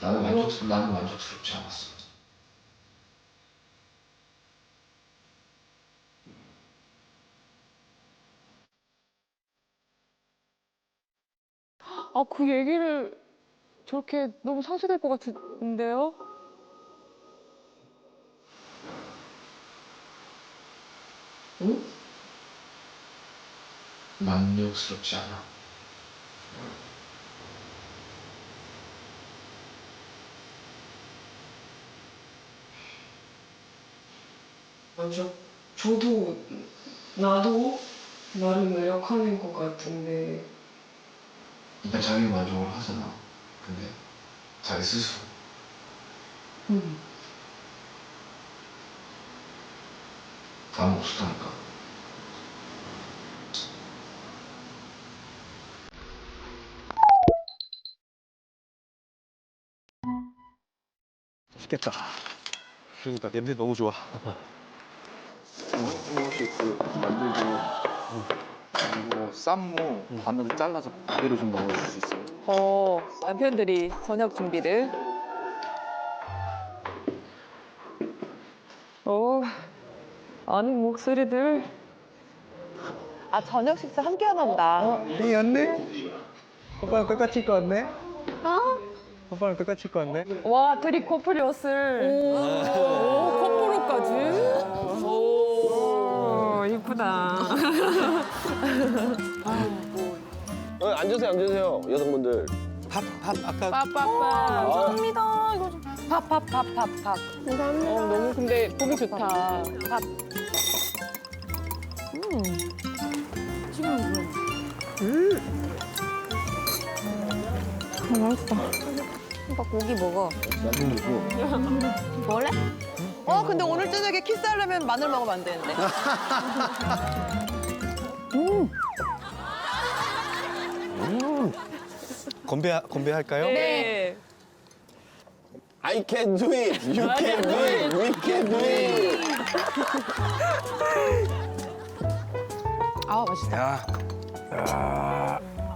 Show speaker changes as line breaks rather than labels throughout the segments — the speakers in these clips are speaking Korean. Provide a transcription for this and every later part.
나는 만족스럽지 않았어.
아, 그 얘기를 저렇게 너무 상쇄될 것 같은데요?
응? 만족스럽지 않아.
맞아. 저도 나도 나름 노력하는 것 같은데.
일단 자기 만족을 하잖아. 근데 자기 스스로
응.
아무 없었다니까.
맛있겠다. 그러니까 냄새 너무 좋아.
혹시 그 만들고 그리고 쌈무 반으로 잘라서 그대로 좀 넣어줄 수 있어요?
남편들이 저녁 준비를. 아는 목소리들. 아, 저녁 식사 함께 하나 보다.
이 왔네? 오빠랑 똑같이 입고 왔네? 오빠랑 똑같이 입고 왔네?
와, 둘이 커플 옷을. 커플옷까지? 오, 이쁘다.
앉으세요, 앉으세요, 여성분들.
밥, 아까.
빠빠빠.
감사합니다. 이거 좀.
밥.
감사합니다.
너무 근데 보기 좋다. 밥.
맛있다. 오빠 고기 먹어. 먹을래?
근데 오늘 저녁에 키스하려면 마늘 먹으면 안 되는데.
건배할까요?
네.
I can do it, you can do it, we can do it.
아, 맛있다.
야.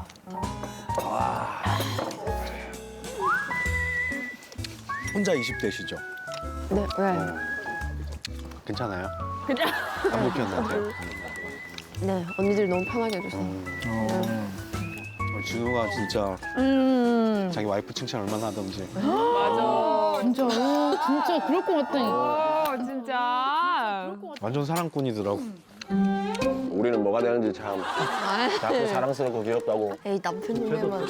혼자 20대시죠?
네, 왜?
괜찮아요? 그냥. 안 불편한데?
네, 언니들 너무 편하게 해주세요.
진우가 진짜 자기 와이프 칭찬 얼마나 하던지.
맞아.
진짜 그럴 것 같다니까.
진짜.
완전 사랑꾼이더라고.
우리는 뭐가 되는지 참 자꾸 사랑스럽고 귀엽다고.
에이, 남편님만.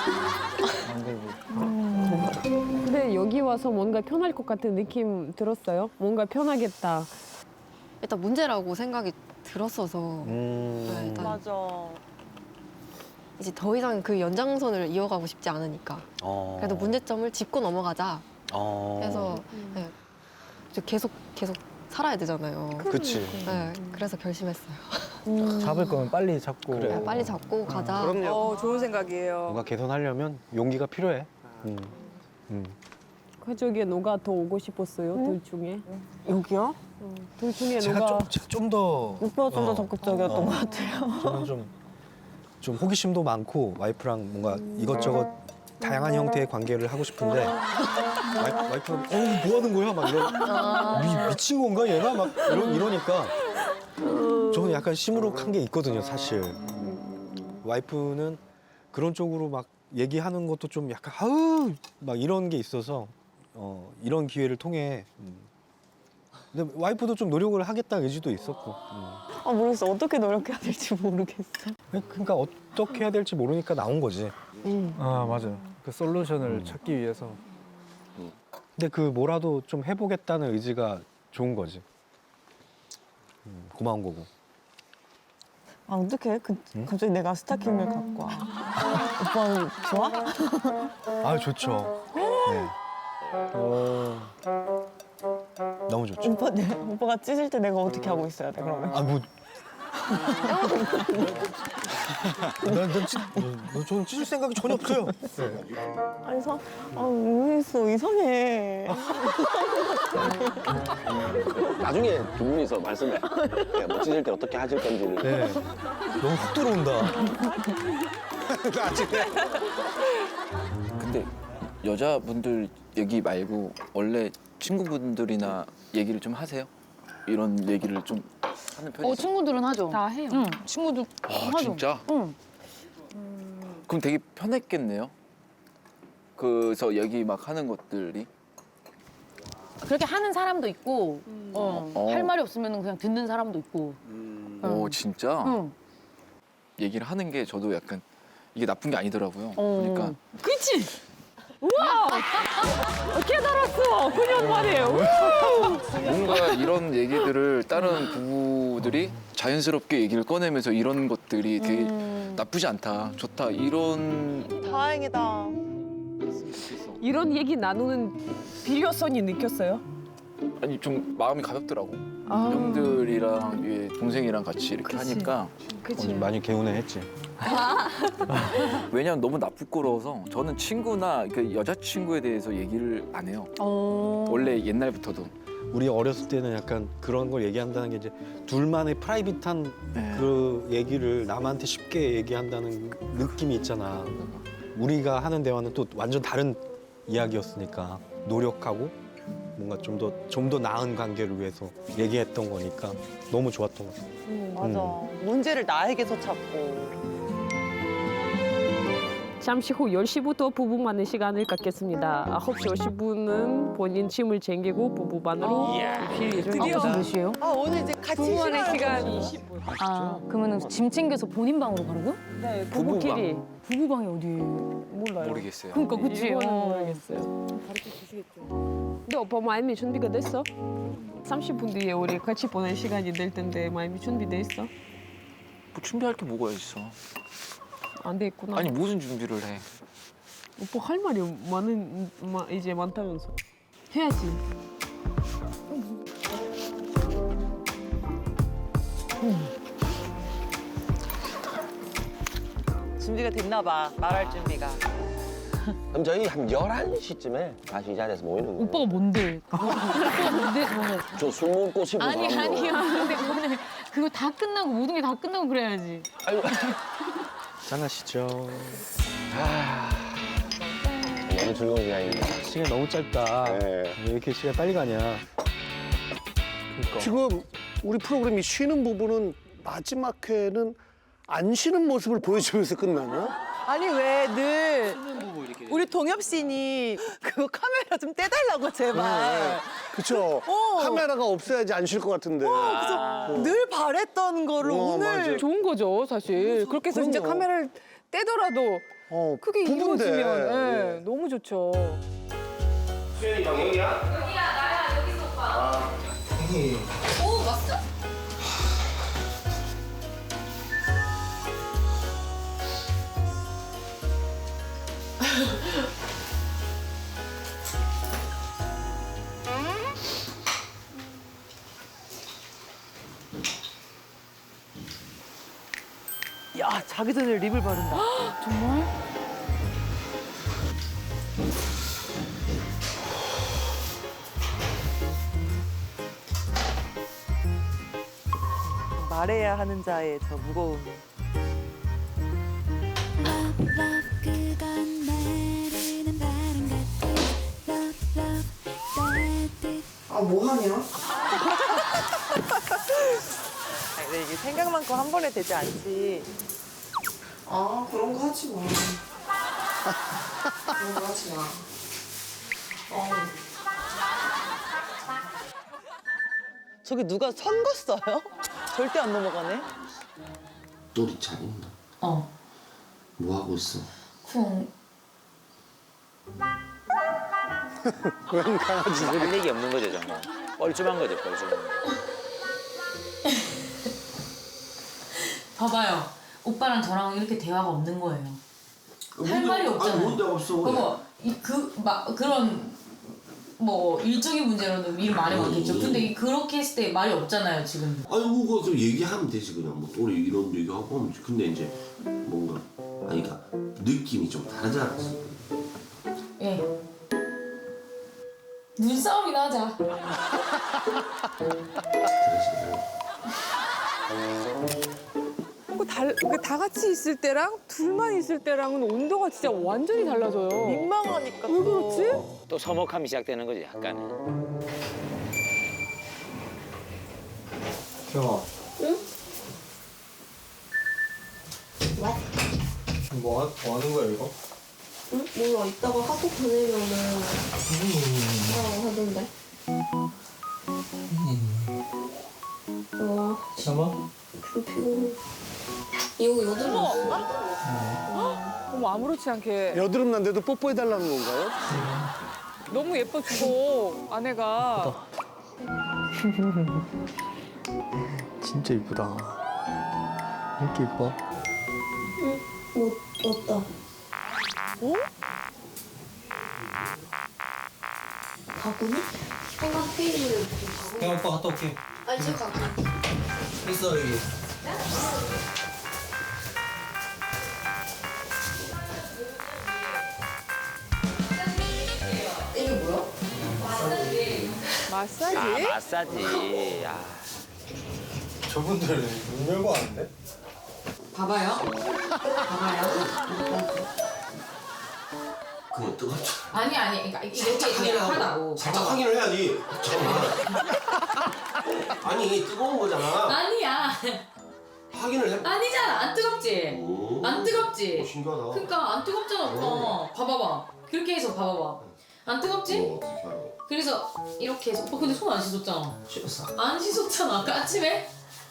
근데 여기 와서 뭔가 편할 것 같은 느낌 들었어요? 뭔가 편하겠다.
일단 문제라고 생각이 들었어서. 네, 일단
맞아.
이제 더 이상 그 연장선을 이어가고 싶지 않으니까. 그래도 문제점을 짚고 넘어가자. 해서 네, 이제 계속 살아야 되잖아요.
그치.
네, 그래서 결심했어요.
잡을 거면 빨리 잡고.
그래.
네, 빨리 잡고 가자.
그럼요.
좋은 생각이에요.
뭔가 개선하려면 용기가 필요해.
그쪽에 누가 더 오고 싶었어요? 둘 중에? 여기요? 둘 중에
제가
누가?
좀 더.
오빠가 좀 더 적극적이었던 것
같아요. 저는 좀 호기심도 많고 와이프랑 뭔가 이것저것 다양한 형태의 관계를 하고 싶은데 와이프가 뭐 하는 거야? 막 미친 건가 얘가? 막 이러니까 저는 약간 시무룩한 게 있거든요, 사실. 와이프는 그런 쪽으로 막 얘기하는 것도 좀 약간 아우 막 이런 게 있어서 이런 기회를 통해 근데 와이프도 좀 노력을 하겠다 의지도 있었고.
아, 모르겠어. 어떻게 노력해야 될지 모르겠어.
그러니까 어떻게 해야 될지 모르니까 나온 거지.
아, 맞아요. 그 솔루션을 찾기 위해서.
근데 그 뭐라도 좀 해보겠다는 의지가 좋은 거지. 고마운 거고.
아, 어떡해. 갑자기 내가 스타킹을 갖고 와. 오빠는 좋아?
아 좋죠. 네. 너무 좋죠.
오빠가 찢을 때 내가 어떻게 하고 있어야 돼, 그러면?
아 뭐. 저는 찢을 생각이 전혀 없어요.
아니, 모르겠어. 이상해.
나중에 두 분이서 말씀해. 뭐 찢을 때 어떻게 하실 건지를.
네. 너무 훅 들어온다. 나중에.
근데
여자분들 얘기 말고 원래 친구분들이나 얘기를 좀 하세요? 이런 얘기를 좀 하는 편이세요?
친구들은 하죠.
다 해요.
응, 친구들 하죠.
진짜?
응.
그럼 되게 편했겠네요? 그래서 얘기 막 하는 것들이?
그렇게 하는 사람도 있고,
어.
할 말이 없으면 그냥 듣는 사람도 있고.
오, 진짜?
응.
얘기를 하는 게 저도 약간 이게 나쁜 게 아니더라고요.
어.
그러니까
그치?
깨달았어. 9년 만에.
뭔가 이런 얘기들을 다른 부부들이 자연스럽게 얘기를 꺼내면서 이런 것들이 되게 나쁘지 않다, 좋다 이런
다행이다.
이런 얘기 나누는 필요성이 느꼈어요?
아니 좀 마음이 가볍더라고.
아.
형들이랑 위에 동생이랑 같이 이렇게
그치.
하니까
오늘 많이 개운해했지.
왜냐면 너무 나 부끄러워서 저는 친구나 그 여자친구에 대해서 얘기를 안 해요. 원래 옛날부터도.
우리 어렸을 때는 약간 그런 걸 얘기한다는 게 이제 둘만의 프라이빗한 그 얘기를 남한테 쉽게 얘기한다는 느낌이 있잖아. 우리가 하는 대화는 또 완전 다른 이야기였으니까 노력하고 뭔가 좀 더 나은 관계를 위해서 얘기했던 거니까 너무 좋았던 것 같아.
맞아. 문제를 나에게서 찾고.
잠시 후 10시부터 부부만의 시간을 갖겠습니다. 9시 50분은 본인 짐을 챙기고 부부만으로 입실 예정입니다.
몇 시에요?
아 오늘 이제 같이
부부만의 시간
20분.
아, 그러면 짐 챙겨서 본인 방으로 가라고요?
네, 부부끼리.
부부방이 어디예요?
몰라요.
모르겠어요.
그러니까 그치?
이거는 모르겠어요. 근데 오빠 마음이 준비가 됐어? 30분 뒤에 우리 같이 보낼 시간이 될 텐데 마음이 준비돼 있어?
뭐 준비할 게 뭐가 있어?
안 돼 있구나.
아니 무슨 준비를 해?
오빠 할 말이 이제 많다면서. 해야지.
준비가 됐나 봐. 말할 준비가.
그럼 저희 한 11시쯤에 다시 이 자리에서 모이는 거예요.
오빠가 뭔데? 오빠가 뭔데? 그거는.
저 술 먹고 싶은
아니,
사람으로.
아니요. 근데 그거는 그거 다 끝나고 모든 게 다 끝나고 그래야지.
아유,
짠하시죠.
너무 즐거운 시간입니다.
시간 너무 짧다.
네.
왜 이렇게 시간 빨리 가냐.
지금 우리 프로그램이 쉬는 부분은 마지막 회는 안 쉬는 모습을 보여주면서 끝나나?
아니 왜 늘 우리 동엽 씨니 그거 카메라 좀 떼달라고 제발.
그쵸? 카메라가 없어야지 안 쉴 것 같은데.
그래서 늘 바랬던 거를 오늘
맞아.
좋은 거죠, 사실. 그렇게 해서 진짜
그럼요.
카메라를 떼더라도 크게
부부인데.
이루어지면 예, 너무 좋죠.
수현이 방 여기야?
야 자기 전에 립을 바른다.
정말?
말해야 하는 자의 저 무거움.
아, 뭐 하냐?
아니, 근데 이게 생각만큼 한 번에 되지 않지.
아, 그런 거 하지 마. 그런 거 하지 마.
저기 누가 선 걷어요? 절대 안 넘어가네.
똘이 잘 있나? 뭐 하고 있어?
고양이 강아지 소리.
할 얘기 없는 거죠, 정말. 뻘쭘한 거죠, 뻘쭘한 거.
봐봐요. 오빠랑 저랑 이렇게 대화가 없는 거예요. 할 말이 없잖아요.
아니 뭔데 없어.
그런 뭐 일적인 문제로는 미리 말이 많겠죠. 근데 그렇게 했을 때 말이 없잖아요, 지금.
아니 그거 좀 얘기하면 되지 그냥 뭐 똘이 이런 얘기하고 하면 되지. 근데 이제 뭔가 아니 그러니까 느낌이 좀 다르잖아.
예. 눈싸움이나 하자.
그래서
그 다 같이 있을 때랑 둘만 있을 때랑은 온도가 진짜 완전히 달라져요.
민망하니까.
왜 그렇지?
또 서먹함이 시작되는 거지 약간.
경아.
응?
뭐 하는 거야 이거?
응? 몰라. 이따가 카톡 보내면은 하던데.
참아?
피곤해. 이거 여드름
어머 아무렇지 않게
여드름 난데도 뽀뽀해달라는 건가요?
너무 예뻐주고 아내가
진짜 이쁘다. 이렇게 이뻐?
못 왔다.
어?
바구니? 생각 페이지를
형 오빠 갔다 올게.
아니 지금 가고.
있어 여기.
이게 뭐야?
마사지?
아 마사지. 아.
저분들 문 열고 하는데?
봐봐요.
그건 뜨겁죠.
아니. 그러니까 이렇게 그냥 하다고.
살짝 확인을 해야지. 잠깐만. 아니 뜨거운 거잖아.
아니야.
확인을 해.
아니잖아. 안 뜨겁지?
오.
안 뜨겁지?
신기하다.
그러니까 안 뜨겁잖아, 오빠. 봐봐봐. 그렇게 해서 봐봐봐. 안 뜨겁지?
어떻게 알아?
그래서 이렇게 해서. 오빠 근데 손 안 씻었잖아.
씻었어.
안 씻었잖아. 아까 아침에?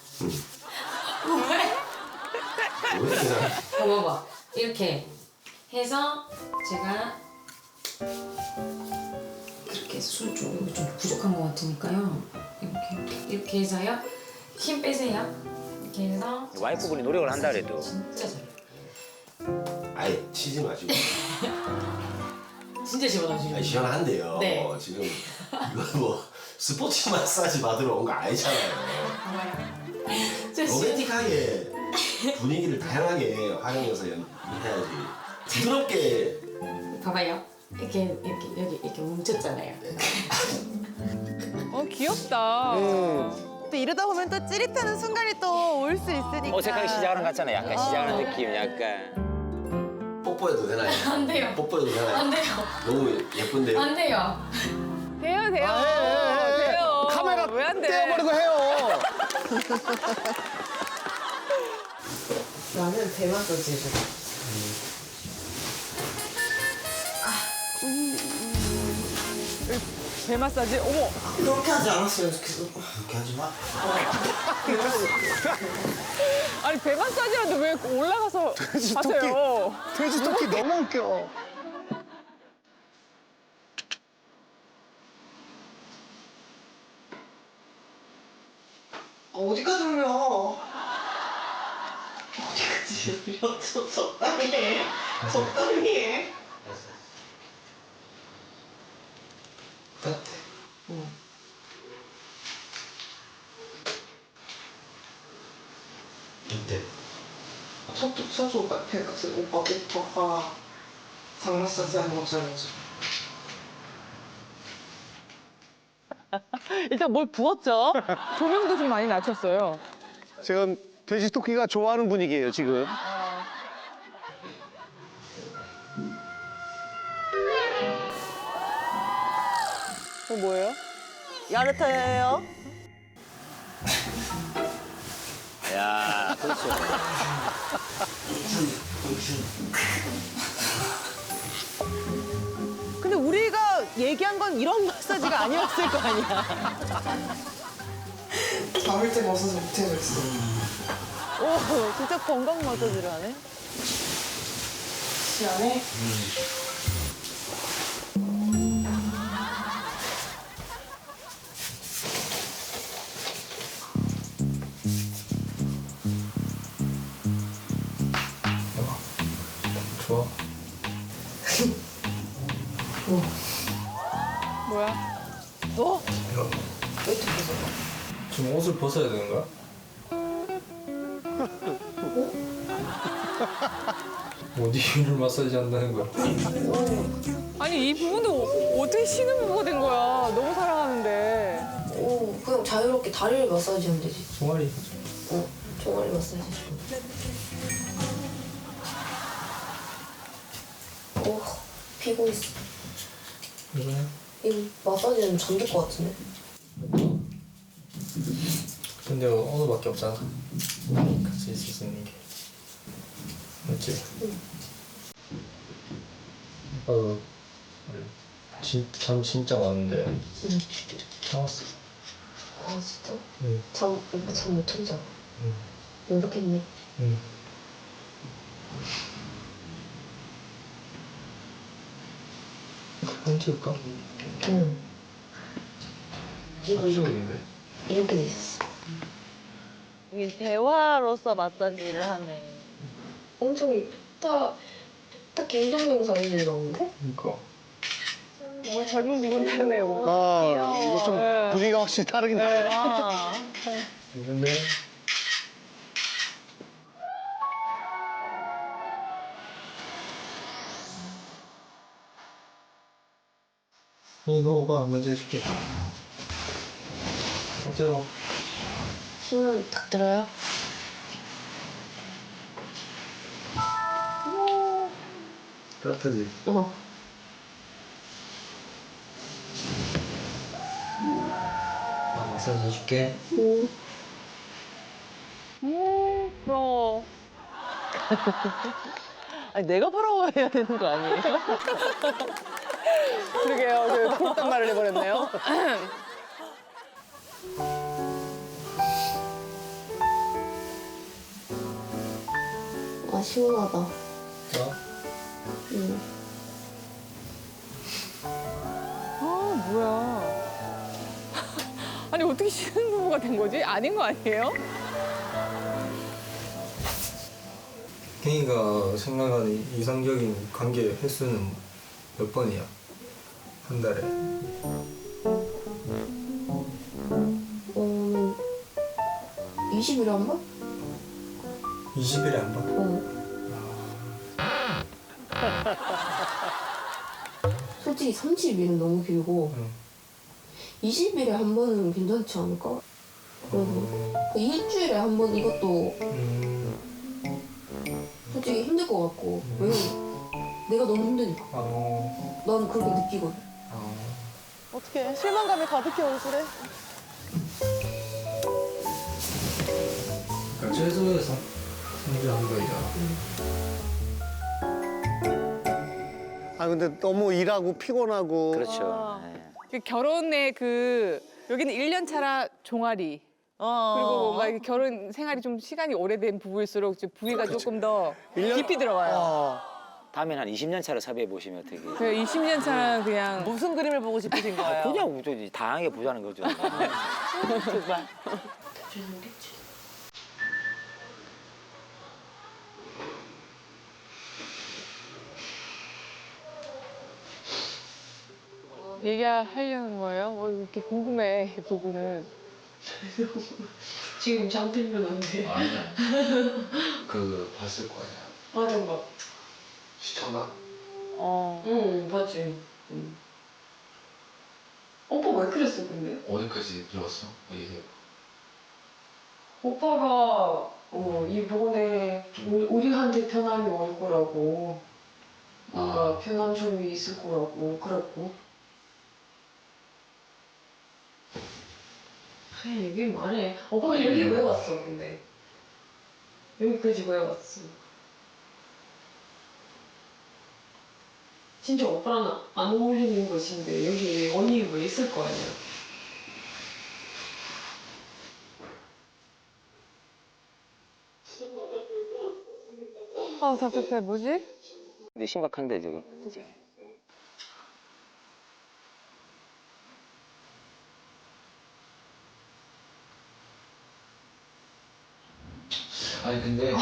왜?
왜 그냥?
봐봐봐. 이렇게 해서 제가 그렇게 해서 술 좀 부족한 것 같으니까요. 이렇게 해서요. 힘 빼세요. 이렇게 해서
와이프분이 노력을 한다 그래도.
진짜 잘해.
아예 치지 마시고.
진짜 시원하시죠?
아니 시원한데요.
네.
지금 이거 뭐 스포츠 마사지 받으러 온 거 아니잖아요. 로맨틱하게 분위기를 다양하게 활용해서 해야지. 부드럽게.
봐봐요. 이렇게 여기 이렇게 뭉쳤잖아요.
귀엽다.
또 이러다 보면 또 찌릿하는 순간이 또 올 수 있으니까.
어색하게 시작하는 것 같잖아. 약간 시작하는 느낌 약간.
뽀뽀해도 되나요?
안 돼요.
뽀뽀해도 되나요?
안 돼요.
너무 예쁜데요?
안 돼요.
돼요. 돼요.
카메라
왜 안 돼?
떼어버리고 해요.
나는 배 마사지 해줘.
배 마사지? 어머.
그렇게 하지 않았으면 좋겠어.
그렇게 하지 마.
아니 배 마사지라도 왜 올라가서 하세요?
돼지 토끼 너무 웃겨.
어디까지 울려? 어디까지 울려? 적당히 해. 적당히 해. 응.
어때?
속도 쳐줘. 오빠 오빠가 장 마사지 하는 것처럼 해줘.
일단 뭘 부었죠? 조명도 좀 많이 낮췄어요.
지금 돼지 토끼가 좋아하는 분위기예요 지금.
그거 뭐예요? 야르타예요?
야, 그렇죠.
근데 우리가 얘기한 건 이런 마사지가 아니었을 거 아니야.
잠을 때 벗어서 못해줬어.
오, 진짜 건강 마사지를 하네.
시원해?
좋아.
뭐야?
지금 옷을 벗어야 되는 거야? 어디를 마사지 한다는 거야?
아니 이 부분도 어떻게 쉬는 부부가 된 거야? 너무 사랑하는데.
그냥 자유롭게 다리를 마사지하면 되지.
종아리.
종아리 마사지 해줘.
피곤했어.
이거요?
이 마사지는 잠들 것 같은데.
근데 언어밖에 없잖아. 같이 있을 수 있는 게. 맞지?
응.
잠 진짜 많은데.
응.
나왔어.
아 진짜?
응.
오빠 잠 못 혼자.
응.
노력했네.
응. 사진 찍을까?
응.
합성인데.
이렇게 돼 있었어.
이게 대화로서 마사지를 하네.
엄청 딱 개인정 영상이 나오는데?
그러니까.
젊은 미군 되네요.
아, 이거 좀 분위기가 확실히 다르긴 해.
근데 이거가 먼저 해줄게. 어때요?
손은 딱 들어요?
따뜻하지?
어.
나 마사지 해줄게.
부러워. 아니 내가 부러워해야 되는 거 아니에요? 그러게요. 그딴 말을 해버렸네요.
아 시원하다.
자.
응.
아 뭐야? 아니 어떻게 신혼부부가 된 거지? 아닌 거 아니에요?
갱이가 생각하는 이상적인 관계 횟수는 몇 번이야? 한 달에?
20일에 한 번?
20일에 한 번?
어. 솔직히 30일은 너무 길고 20일에 한 번은 괜찮지 않을까? 그래도 일주일에 한 번 이것도 솔직히 힘들 것 같고 왜냐면 내가 너무 힘드니까 난 그렇게 느끼거든.
어떡해. 실망감이 가득해 얼굴에.
그러니까 최소에서 성질 한 번이잖아.
아 근데 너무 일하고 피곤하고.
그렇죠.
그 결혼의 여기는 1년 차라 종아리. 그리고 뭔가 이렇게 결혼 생활이 좀 시간이 오래된 부부일수록 부위가 조금 더 깊이 들어가요.
다음엔 한 20년 차로 섭외해 보시면 어떻게.
그 20년 차는 그냥
무슨 그림을 보고 싶으신 거예요?
그냥 좀 다양하게 보자는 거죠.
정말.
얘기하려는 거예요? 뭐 이렇게 궁금해, 이 부분은. 지금 잠들면 안 돼.
아니야. 그 봤을 거 아니야.
어떤 거?
시청각?
응, 봤지. 응. 오빠 왜 그랬어, 근데?
어디까지 들었어? 얘기해봐.
오빠가 이번에 우리한테 편함이 올 거라고 뭔가 편한 점이 있을 거라고 그랬고 그냥 얘기 말해. 오빠가 여기 왜 왔어 근데? 여기까지 왜 왔어? 진짜 오빠랑 안 어울리는 것인데 여기 언니 왜 있을 거 아니야? 아 답답해. 뭐지?
근데 심각한데 지금.
아니 근데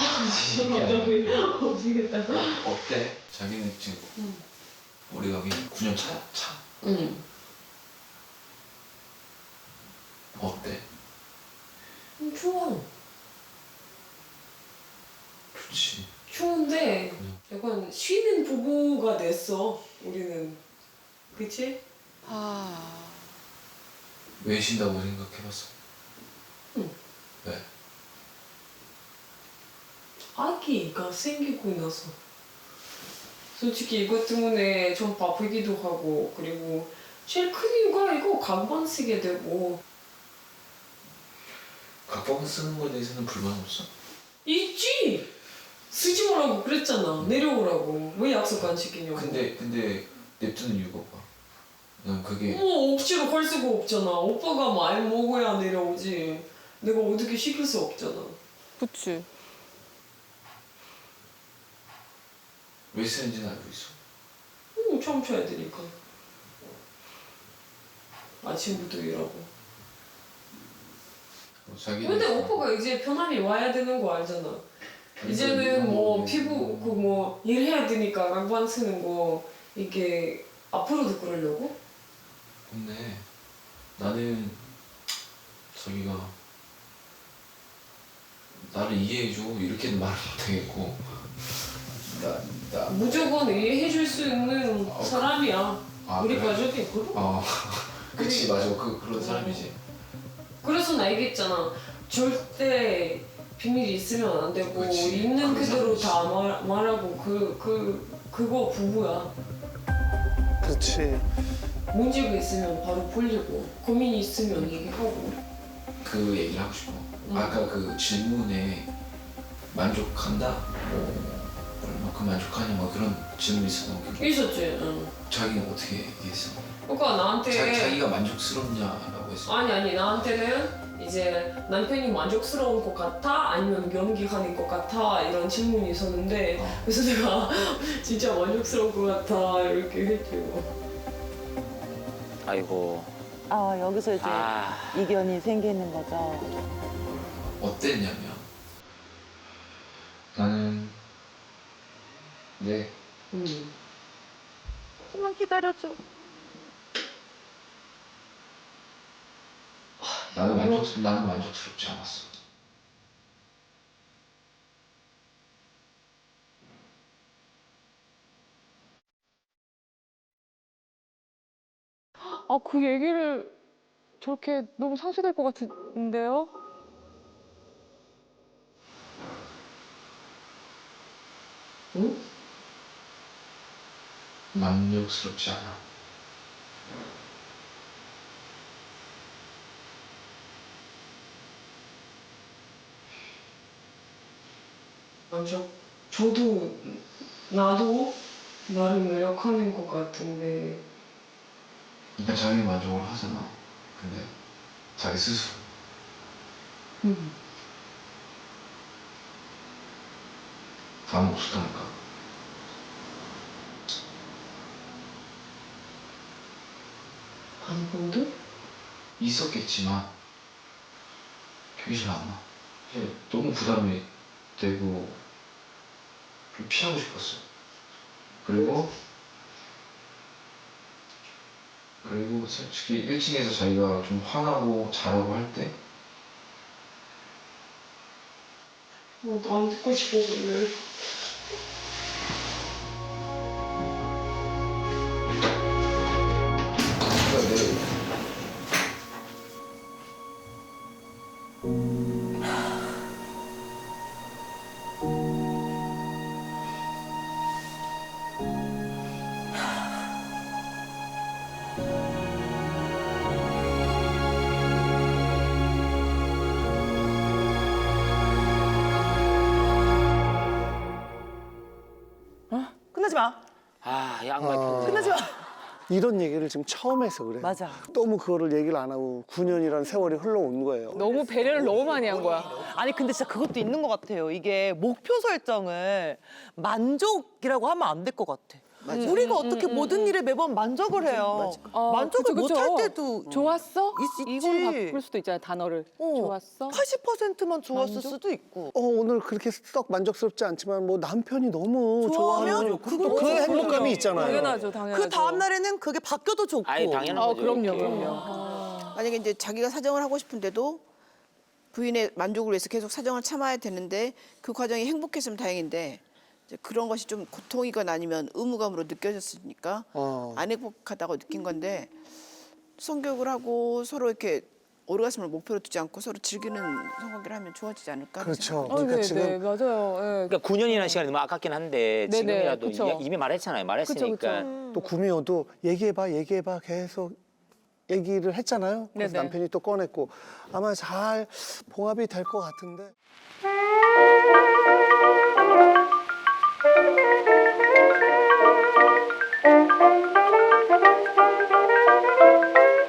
미치겠다.
어때? 자기는 지금 우리가 여기 9년 차?
응.
어때?
추워.
좋지.
추운데 약간 쉬는 부부가 됐어. 우리는. 그치?
왜 쉰다고 생각해봤어?
응.
왜?
아기가 생기고 나서.
솔직히 이것 때문에 좀 바쁘기도 하고 그리고 제일 큰 이유가 이거 각본 쓰게 되고.
각본 쓰는 거에 대해서는 불만 없어?
있지! 쓰지 말라고 그랬잖아. 내려오라고. 왜 약속 안 지키냐고.
근데 냅두는 이유가 뭐야? 난 그게
억지로 갈 수가 없잖아. 오빠가 말 먹어야 내려오지. 내가 어떻게 시킬 수 없잖아.
그치.
왜 쓰는지는 알고 있어.
참쳐야 되니까. 아침부터 일하고. 근데 오빠가 이제 편안히 와야 되는 거 알잖아. 이제는 뭐 피부 그 뭐 일해야 되니까 각반 쓰는 거 이게 앞으로도 그러려고?
근데 나는 저기가 나를 이해해줘 이렇게는 말을 못하겠고
무조건 이해해줄 수 있는 사람이야. 우리
그래?
가족이 그럼.
그치 맞아 그런 사람이지.
그래서 나 얘기했잖아. 절대 비밀이 있으면 안 되고
그치.
있는
그런
그대로
사람이지.
다 말하고 그거 부부야.
그렇지.
문제가 있으면 바로 풀리고 고민이 있으면 얘기하고.
그 얘기를 하고 싶어. 아까 그 질문에 만족한다? 뭐 얼마큼 만족하냐 뭐 그런 질문이 있었던 거 기억해?
있었지. 응.
자기는 어떻게 얘기했어?
그러니까 나한테
자기가 만족스럽냐라고 했어.
아니 나한테는 이제 남편이 만족스러운 것 같아 아니면 연기하는 것 같아 이런 질문이 있었는데 그래서 내가 진짜 만족스러운 것 같아 이렇게 했죠.
아이고.
아 여기서 이제
아.
이견이 생기는 거죠.
어땠냐면 나는
조금만 기다려줘.
나는 만족스럽지 않았어.
아, 그 얘기를 저렇게 너무 상쇄될 것 같은데요?
응?
만족스럽지 않아.
저도 나도 나를 매력하는 것 같은데
그러니까 자기 만족을 하잖아. 근데 자기 스스로 아무것도 없다니까.
아무것도?
있었겠지만 기억이 잘 안 나. 너무 부담이 되고 좀 피하고 싶었어. 그리고 솔직히 1층에서 자기가 좀 화나고 자라고 할 때
안 듣고 싶어 그래.
끝나지 마.
아, 양말 편지.
끝나지 마.
이런 얘기를 지금 처음 해서 그래.
맞아.
너무 그거를 얘기를 안 하고 9년이라는 세월이 흘러온 거예요.
너무 배려를 너무 많이 한 거야.
아니 근데 진짜 그것도 있는 것 같아요. 이게 목표 설정을 만족이라고 하면 안 될 것 같아. 우리가 어떻게 모든 일에 매번 만족을 해요. 만족을
그쵸, 그쵸.
못 할 때도
좋았어?
있지.
이걸로 바꿀 수도 있잖아, 단어를. 좋았어?
80%만 좋았을
만족?
수도 있고.
오늘 그렇게 썩 만족스럽지 않지만 뭐 남편이 너무 좋아하면
그거
그 행복감이 있잖아요.
당연하죠, 당연하죠.
그 다음 날에는 그게 바뀌어도 좋고.
아예 당연한 거죠.
그럼요,
이렇게.
그럼요.
만약에 이제 자기가 사정을 하고 싶은데도 부인의 만족을 위해서 계속 사정을 참아야 되는데 그 과정이 행복했으면 다행인데 이제 그런 것이 좀 고통이거나 아니면 의무감으로 느껴졌으니까 안 행복하다고 느낀 건데 성교육을 하고 서로 이렇게 오르가즘을 목표로 두지 않고 서로 즐기는 성관계를 하면 좋아지지 않을까?
그렇죠.
네,
그러니까
네,
지금
맞아요. 예.
그러니까 9년이라는 시간이 너무 아깝긴 한데
네네,
지금이라도
그쵸.
이미 말했잖아요. 말했으니까.
또 구미호도 얘기해봐 계속 얘기를 했잖아요. 그래서
네네.
남편이 또 꺼냈고 아마 잘 봉합이 될 것 같은데.